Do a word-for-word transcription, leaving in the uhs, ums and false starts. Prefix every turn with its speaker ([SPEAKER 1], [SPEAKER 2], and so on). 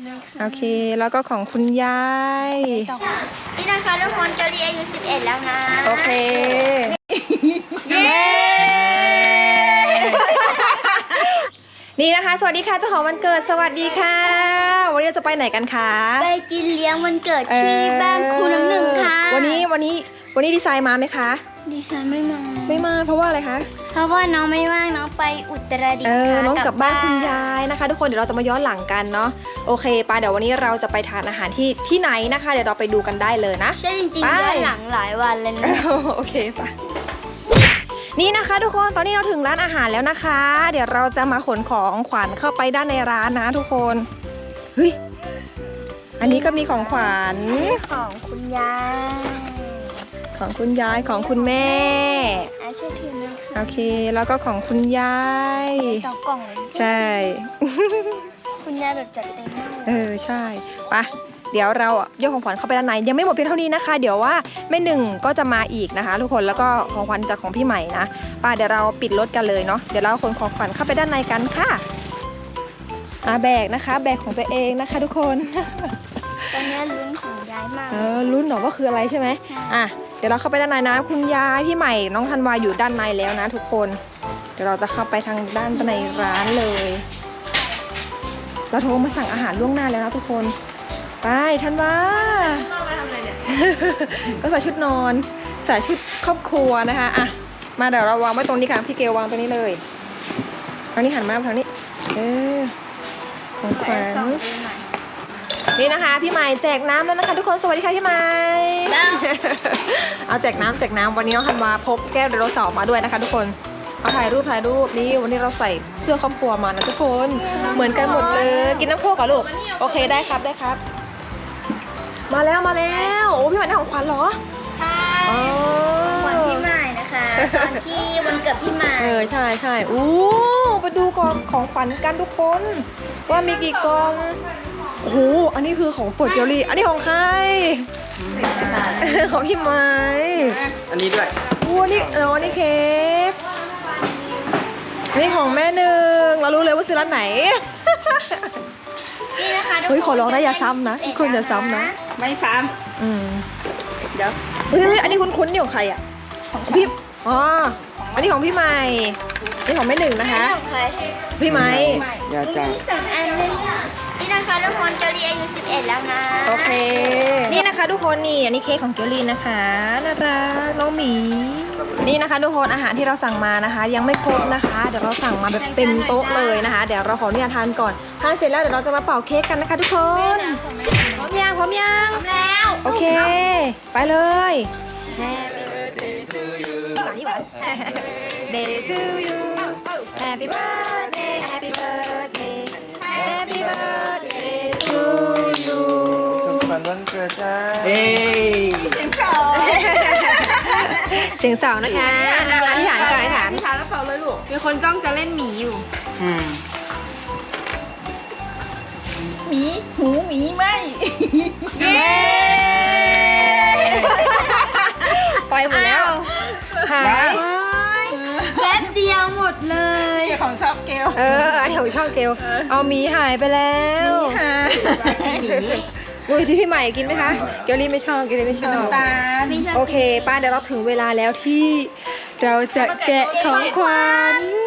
[SPEAKER 1] โอเคแล้วก็ของคุณยาย
[SPEAKER 2] นี่นะคะทุกคนเกาหลีอายุสิบเอ็ดแล้วนะ
[SPEAKER 1] โอเคเย้นี่นะคะสวัสดีค่ะเจ้าของวันเกิดสวัสดีค่ะวันนี้เราจะไปไหนกันคะ
[SPEAKER 2] ไปกินเลี้ยงวันเกิดที่บ้านครูน้ำหนึ่งค่ะ
[SPEAKER 1] วันนี้วันนี้วันนี้ดีไซน์มาไหมคะ
[SPEAKER 2] ดีไซน์ไม่มา
[SPEAKER 1] ไม่มาเพราะว่าอะไรคะ
[SPEAKER 2] เพราะว่าน้องไม่ว่างน้องไปอุตรดิตถ์ค่ะ
[SPEAKER 1] น้องกลับบ้านคุณยายนะคะทุกคนเดี๋ยวเราจะมาย้อนหลังกันเนาะโอเคปาเดี๋ยววันนี้เราจะไปทานอาหารที่ที่ไหนนะคะเดี๋ยวเราไปดูกันได้เลยนะ
[SPEAKER 2] ใช่จริงๆย้อนหลังหลายวันเลยนะ
[SPEAKER 1] โอเคปะนี่นะคะทุกคนตอนนี้เราถึงร้านอาหารแล้วนะคะเดี๋ยวเราจะมาขนของขวัญเข้าไปด้านในร้านนะทุกคนเฮ้ยอันนี้ก็มีของขวัญ
[SPEAKER 2] ของคุณยาย
[SPEAKER 1] ของคุณยายของคุณแม่
[SPEAKER 2] อ่ะช่วยถือนะคะ
[SPEAKER 1] โอเคแล้วก็ของคุณยาย
[SPEAKER 2] สองกล่องเลย
[SPEAKER 1] ใช่
[SPEAKER 2] คุณยายแบบจัดเต็มมาก
[SPEAKER 1] เออใช่ปะเดี๋ยวเราโยกของขวัญเข้าไปด้านในยังไม่หมดเพียงเท่านี้นะคะเดี๋ยวว่าแม่หนึ่งก็จะมาอีกนะคะทุกคนแล้วก็ของขวัญจากของพี่ใหม่นะป้าเดี๋ยวเราปิดรถกันเลยเนาะเดี๋ยวเราขนของขวัญเข้าไปด้านในกันค่ะอ่าแบกนะคะแบกของตัวเองนะคะทุกคน
[SPEAKER 2] ตอนนี้ลุ้นของยายมาก
[SPEAKER 1] เออลุ้นหรอว่าคืออะไรใช่ไหมอ่ะเดี๋ยวเราเข้าไปด้านในนะคุณยายพี่ใหม่น้องธันวาอยู่ด้านในแล้วนะทุกคนเดี๋ยวเราจะเข้าไปทางด้านในร้านเลยเราโทรมาสั่งอาหารล่วงหน้าแล้วนะทุกคนไปธันวาก็ใส่ชุดนอนใส่ชุดครอบครัวนะคะอ่ะมาเดี๋ยวเราวางไว้ตรงนี้ค่ะพี่เกลวางตรงนี้เลยทางนี้หันมาทางนี้เออของขวัญนี่นะคะพี่ใหม่แจกน้ำแล้วนะคะทุกคนสวัสดีค่ะพี่ใหม่เอาแจกน้ำแจกน้ำวันนี้น้องธันวาพกแก้วไดโนเสาร์มาด้วยนะคะทุกคนเอาถ่ายรูปถ่ายรูปนี่วันนี้เราใส่เสื้อครอบครัวมานะทุกคนเหมือนกันหมดเลยกินน้ำโค้กกับลูกโอเคได้ครับได้ครับมาแล้วมาแล้วโอ้พี่ใหม่ได้ของขวัญเหรอ
[SPEAKER 2] ใช่ของขวัญพี่ใหม่นะคะตอนที่วันเกิดพี่ใหม่
[SPEAKER 1] เออใช่ใช่อู้ไปดูก่อนของขวัญกันทุกคนว่ามีกี่กล่องโอ้โหอันนี้คือของโปรดเจลลี่อันนี้ของใครของพี่ไม้
[SPEAKER 3] อันนี้ด้วย
[SPEAKER 1] อู้นี่เออนี่เค้กนี่ของแม่หนึ่งเรารู้เลยว่าซื้อร้านไหน
[SPEAKER 2] นี่นะคะ
[SPEAKER 1] เฮ้ยขอร้องนะอย่าซ้ำนะคุณอย่าซ้ำนะ
[SPEAKER 3] ไม่ซ้ำ
[SPEAKER 1] อืม
[SPEAKER 3] เดี๋ยว
[SPEAKER 1] เฮ้ยอันนี้คุ้นๆนี่ของใครอ่ะของพี่อ๋ออันนี้ของพี่ใหม่นี่ของแม่หนึ่งนะคะพี่ไม้
[SPEAKER 3] อย่าจ้า
[SPEAKER 2] สองอันเลยนี่นะคะทุกคนเกาหลีอายุสิบเอ็ดแล้วนะ
[SPEAKER 1] โอเคนี่นะคะทุกคนนี่อันนี้เค้กของเกลลีนะคะน่ารักน้องหมีนี่นะคะทุกคนอาหารที่เราสั่งมานะคะยังไม่ครบนะคะเดี๋ยวเราสั่งมาแบบเต็มโต๊ะเลยนะคะเดี๋ยวเราขออนุญาตทานก่อนทานเสร็จแล้วเดี๋ยวเราจะมาเป่าเค้กกันนะคะทุกคนพร้อมยังพร้อมยัง
[SPEAKER 2] พร้อมแล้ว
[SPEAKER 1] โอเคไปเลย Day to you Happy birthday Happy birthday Happy birthday to you
[SPEAKER 3] สุขสันต์วันเกิดจ้าเฮ้ยเสียงสาว
[SPEAKER 1] เสียงสาวนะคะอธิษฐานก่อนอธิษฐาน
[SPEAKER 3] อธิษฐานแล้วเป่าเลยลูกมีคนจ้องจะเล่นหมีอยู่หมีหูหมีไหม
[SPEAKER 1] เย้ไปหมดแล้วหาย
[SPEAKER 2] แป๊บเดียวหมดเลย
[SPEAKER 3] ของชอบเกล
[SPEAKER 1] เอออันของชอบเกลเอาหมีหายไปแล้ว
[SPEAKER 3] หมีหาย
[SPEAKER 1] อุ้ยที่พี่ใหม่กินไหมคะเกลลี่ไม่ชอบเกลลี่ไม่ชอบ
[SPEAKER 3] ตา
[SPEAKER 1] โอเคป้าเดี๋ยวเราถึงเวลาแล้วที่เราจะแกะของขวัญ